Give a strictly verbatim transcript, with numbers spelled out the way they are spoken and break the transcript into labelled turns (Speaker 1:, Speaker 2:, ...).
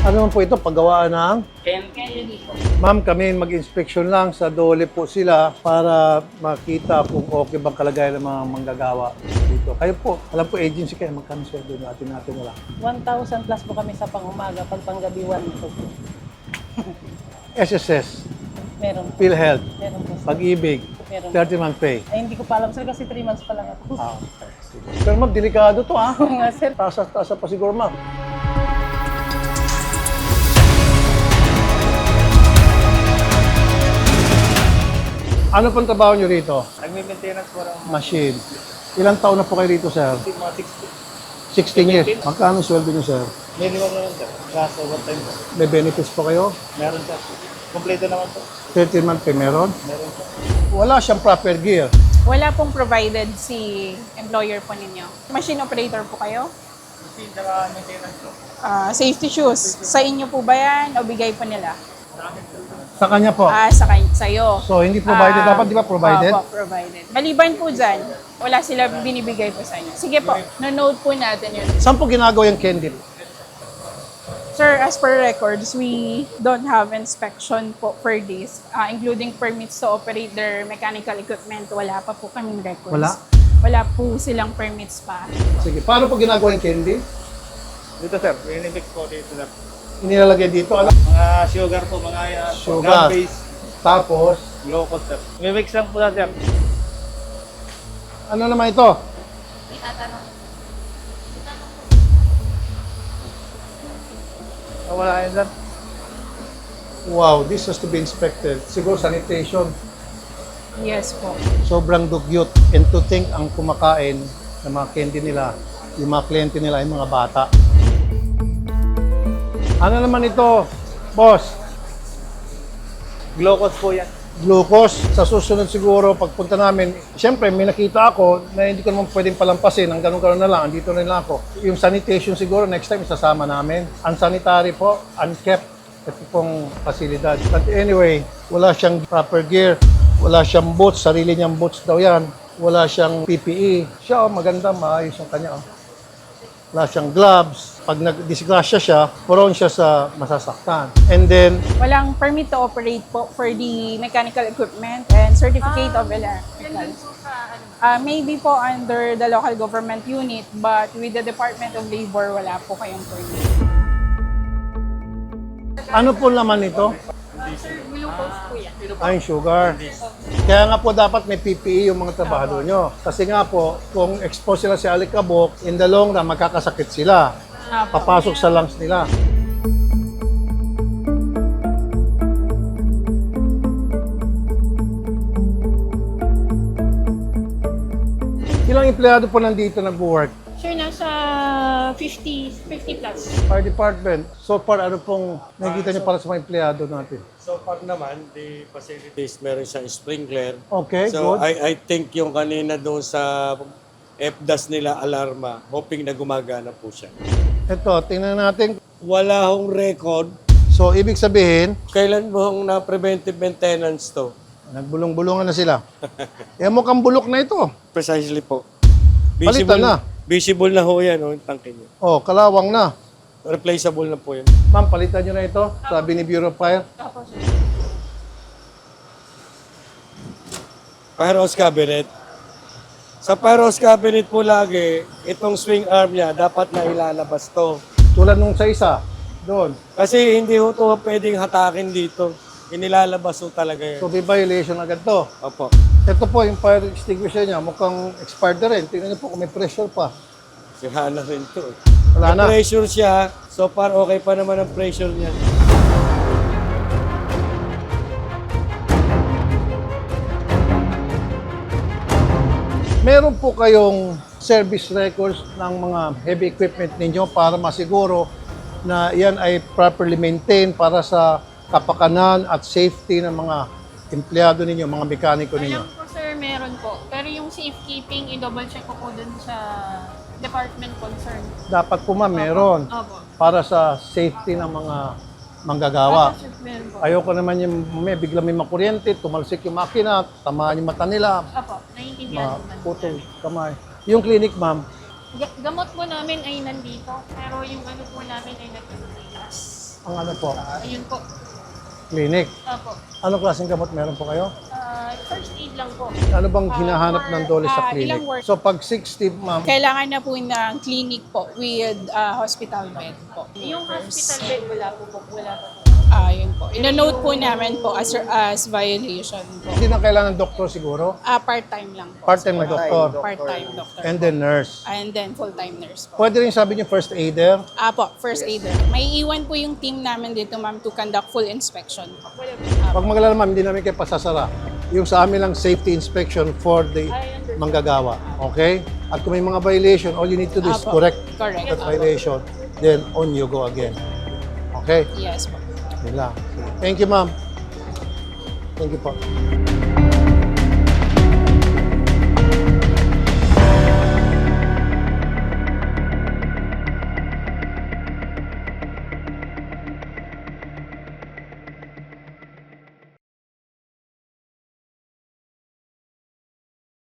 Speaker 1: Ano naman po ito? Paggawaan ng?
Speaker 2: Candy po.
Speaker 1: Ma'am, kami mag-inspection lang sa dole po sila para makita kung okay bang kalagayan ng mga manggagawa dito. Kayo po, alam po agency kayo, magkano sweldo natin natin wala.
Speaker 2: one thousand plus po kami sa pang-umaga, pag panggabi one po.
Speaker 1: S S S,
Speaker 2: Meron po.
Speaker 1: PhilHealth,
Speaker 2: Meron po. sir.
Speaker 1: Pag-ibig,
Speaker 2: Meron po.
Speaker 1: thirty month pay.
Speaker 2: Ay, hindi ko pa alam sir kasi three months pa lang ako.
Speaker 1: Ah, okay. Sige. Pero ma'am, delikado to ha.
Speaker 2: Nga sir.
Speaker 1: Tasa-tasa pa siguro ma'am. Ano pang trabaho nyo rito?
Speaker 2: Nagme-maintenance po lang.
Speaker 1: Machine. Ilang taon na po kayo rito, sir?
Speaker 2: Mga sixty.
Speaker 1: sixteen years. Magkano sweldo nyo, sir?
Speaker 2: Minimum naman sir. Kaso one time po.
Speaker 1: May benefits po kayo?
Speaker 2: Meron sir. Kompleto naman po.
Speaker 1: thirteen month pay meron?
Speaker 2: Meron po.
Speaker 1: Wala siyang proper gear.
Speaker 3: Wala pong provided si employer po ninyo. Machine operator po kayo?
Speaker 2: Machine saka maintenance po.
Speaker 3: Ah, safety shoes. Sa inyo po ba yan o bigay po nila?
Speaker 1: Sa kanya po.
Speaker 3: Ah, sa kay sa'yo.
Speaker 1: So, hindi provided.
Speaker 3: Ah,
Speaker 1: Dapat di ba provided?
Speaker 3: Opo, provided. Maliban po dyan, wala sila binibigay po sa inyo. Sige po, na-note po natin yun.
Speaker 1: Saan po ginagawa yung candy?
Speaker 3: Sir, as per records, we don't have inspection po for this, ah, including permits to operate their mechanical equipment. Wala pa po kaming records.
Speaker 1: Wala?
Speaker 3: Wala po silang permits pa.
Speaker 1: Sige. Paano po ginagawa yung candy?
Speaker 2: Dito sir, minimix po dito sir.
Speaker 1: Inilalagay dito. Ano?
Speaker 2: Mga sugar po, mga uh,
Speaker 1: Sugar.
Speaker 2: base,
Speaker 1: Tapos,
Speaker 2: glucose sir. Mimix lang po na sir.
Speaker 1: ano naman ito?
Speaker 2: Ah, wala yun sir.
Speaker 1: Wow, this has to be inspected. Siguro sanitation.
Speaker 3: Yes po.
Speaker 1: Sobrang dugyot. And to think ang kumakain ng mga candy nila, yung mga kliyente nila ay mga bata. Ano naman ito, boss?
Speaker 2: Glucose po yan.
Speaker 1: Glucose. Sa susunod siguro, pagpunta namin, siyempre may nakita ako na hindi ko naman pwedeng palampasin. Ang ganun-ganun na lang, andito na lang ako. Yung sanitation siguro, next time isasama namin. Unsanitary po, unkept. Ito pong pasilidad. But anyway, wala siyang proper gear. Wala siyang boots. Sarili niyang boots daw yan. Wala siyang P P E. Siya, oh, maganda, maayos yung kanya. Oh. Wala siyang gloves. Pag nag-disgrasya siya, prone siya sa masasaktan. And then,
Speaker 3: Walang permit to operate po for the mechanical equipment and certificate of electrical. Uh, maybe po under the local government unit, but with the Department of Labor, wala po kayong permit.
Speaker 1: ano po laman nito?
Speaker 3: Sir, glucose po yan.
Speaker 1: Ay, sugar. Kaya nga po dapat may P P E yung mga trabahador nyo. Kasi nga po, kung expose sila sa alikabok, in the long run, magkakasakit sila.
Speaker 3: Apo.
Speaker 1: Papasok sa lungs nila. Ilang empleyado po nandito nag-work?
Speaker 3: Sir, nasa fifty, fifty plus.
Speaker 1: Fire department. So far, ano pong nakikita nyo para sa mga empleyado natin?
Speaker 4: So far naman, the facilities meron siyang sprinkler.
Speaker 1: Okay,
Speaker 4: So
Speaker 1: good.
Speaker 4: I I think yung kanina doon sa F D A S nila alarma, hoping na gumagana po siya.
Speaker 1: Ito, tingnan natin.
Speaker 4: Wala hong record.
Speaker 1: So, ibig sabihin,
Speaker 4: Kailan mo hong na preventive maintenance to?
Speaker 1: nagbulong-bulungan na sila. Eh, mukhang bulok na ito.
Speaker 4: Precisely po.
Speaker 1: Palitan na.
Speaker 4: Visible na ho yan, oh, yung tangke niyo.
Speaker 1: Oh, kalawang na.
Speaker 4: Replaceable na po yan.
Speaker 1: Ma'am, palitan nyo na ito. Sabi ni Bureau of Fire.
Speaker 3: Apo, sir.
Speaker 4: Firehouse cabinet. Sa firehouse cabinet po lagi, itong swing arm niya, dapat na ilalabas to.
Speaker 1: Tulad nung sa isa, doon.
Speaker 4: Kasi hindi ho to pwedeng hatakin dito. Inilalabas ho talaga yan.
Speaker 1: So, may violation agad to.
Speaker 4: Opo.
Speaker 1: Ito po, yung fire extinguisher niya, mukhang expired na rin. Tingnan niyo po kung may pressure pa.
Speaker 4: Sira na rin to.
Speaker 1: Wala na.
Speaker 4: May pressure siya, so far okay pa naman ang pressure niya.
Speaker 1: Meron po kayong service records ng mga heavy equipment ninyo para masiguro na yan ay properly maintained para sa kapakanan at safety ng mga empleyado ninyo, mga mekaniko ninyo.
Speaker 3: Alam po, sir, meron po. Pero yung safekeeping, i-double check ko po dun sa department concern.
Speaker 1: Dapat po ma'am, meron
Speaker 3: Opo.
Speaker 1: para sa safety ng mga manggagawa.
Speaker 3: Opo, sir, meron po.
Speaker 1: Ayoko naman yung may bigla may makuryente, tumalsik yung makina, tamaan yung mata nila,
Speaker 3: Opo, naiintindihan naman.
Speaker 1: maputol kamay. Yung clinic ma'am,
Speaker 3: Ga- Gamot po namin ay nandito, pero yung ano po namin ay nagtitigas.
Speaker 1: ang ano po,
Speaker 5: Ayun po.
Speaker 1: clinic.
Speaker 5: Opo.
Speaker 1: Anong klaseng gamot meron po kayo?
Speaker 5: Ah, first aid lang po.
Speaker 1: Ano bang hinahanap
Speaker 3: for,
Speaker 1: ng dole sa
Speaker 3: ah,
Speaker 1: clinic?
Speaker 3: ilang work-
Speaker 1: So pag sixty, ma'am,
Speaker 3: Kailangan na po ng clinic po with ah, hospital bed po.
Speaker 5: Yung hospital bed, wala po po. Wala po po.
Speaker 3: Ah, yun po. Ino-note po namin po as, as violation po.
Speaker 1: hindi na kailangan ng doktor siguro.
Speaker 3: Ah, part-time lang po.
Speaker 1: Part-time na doktor.
Speaker 3: Part-time doctor.
Speaker 1: And then nurse.
Speaker 3: And then full-time nurse po.
Speaker 1: Pwede rin sabi niyo first aider.
Speaker 3: Ah po, first aider. May iwan po yung team namin dito, ma'am, to conduct full inspection po.
Speaker 1: Pag magalala ma'am, hindi namin kayo pasasara. Yung sa amin lang safety inspection for the manggagawa. Okay? At kung may mga violation, all you need to do is
Speaker 3: Apo.
Speaker 1: correct
Speaker 3: Correct.
Speaker 1: that
Speaker 3: Apo.
Speaker 1: violation. Then on you go again. Okay?
Speaker 3: Yes po.
Speaker 1: Yun lang. Thank you, ma'am. Thank you po.